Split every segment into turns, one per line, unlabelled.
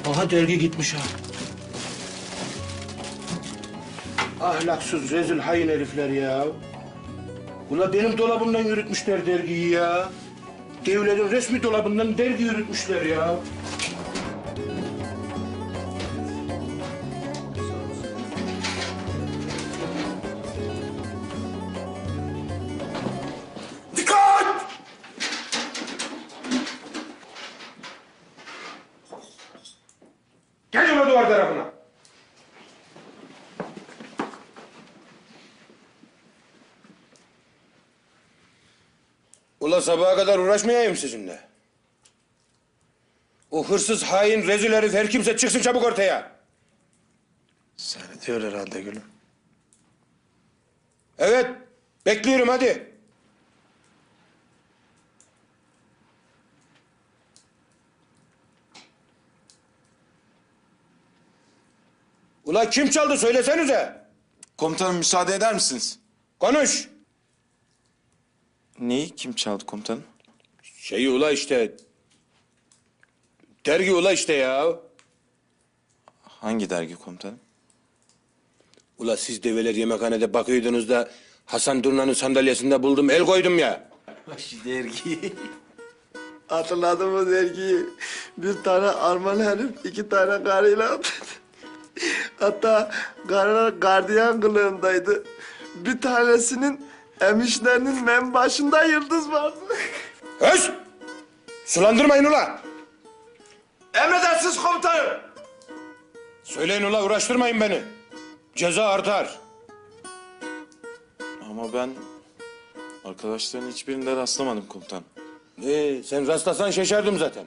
Aha dergi gitmiş ha. Ahlaksız, rezil, hain herifler ya. Ula benim dolabımdan yürütmüşler dergiyi ya. Devletin resmi dolabından dergi yürütmüşler ya. Dikkat! Gel yola duvar tarafına. Ula sabaha kadar uğraşmayayım sizinle. O hırsız, hain, rezil herif her kimse çıksın çabuk ortaya.
Seyrediyor herhalde gülüm.
Evet, bekliyorum hadi. Ula kim çaldı söylesenize.
Komutanım müsaade eder misiniz?
Konuş.
Neyi kim çaldı komutanım?
Şeyi ula işte. Dergi ula işte ya.
Hangi dergi komutanım?
Ula siz develer yemekhanede bakıyordunuz da Hasan Durna'nın sandalyesinde buldum el koydum ya.
Şu dergiyi. Hatırladım o dergiyi. Bir tane Alman herif, iki tane karıyla. Hatta karılar gardiyan kılığındaydı. Bir tanesinin emişlerinin menbaşında yıldız vardı.
Höz! Sulandırmayın ula.
Emredersiniz komutanım.
Söyleyin ula uğraştırmayın beni. Ceza artar.
Ama ben arkadaşların hiçbirinde rastlamadım komutanım.
Sen rastlasan şaşardım zaten.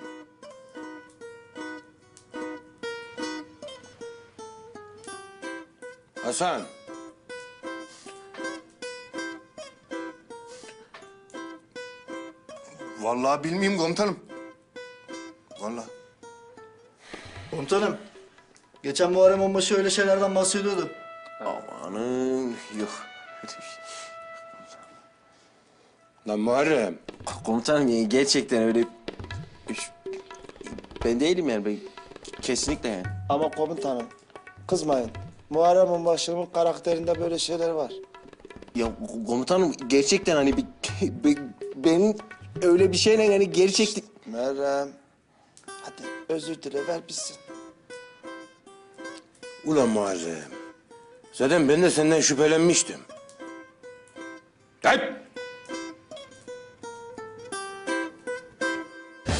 Hasan.
Vallahi bilmiyorum komutanım. Vallahi.
Komutanım, geçen Muharrem Onbaşı öyle şeylerden bahsediyordu.
Amanın yok.
Lan Muharrem.
Komutanım yani gerçekten öyle... Ben değilim yani. Ben... Kesinlikle yani.
Ama komutanım, kızmayın. Muharrem Onbaşı'nın karakterinde böyle şeyler var.
Ya komutanım gerçekten hani benim öyle bir şeyle yani gerçekten...
Meryem, hadi özür dile, ver bitsin.
Ulan Muharrem. Zaten ben de senden şüphelenmiştim. Lan!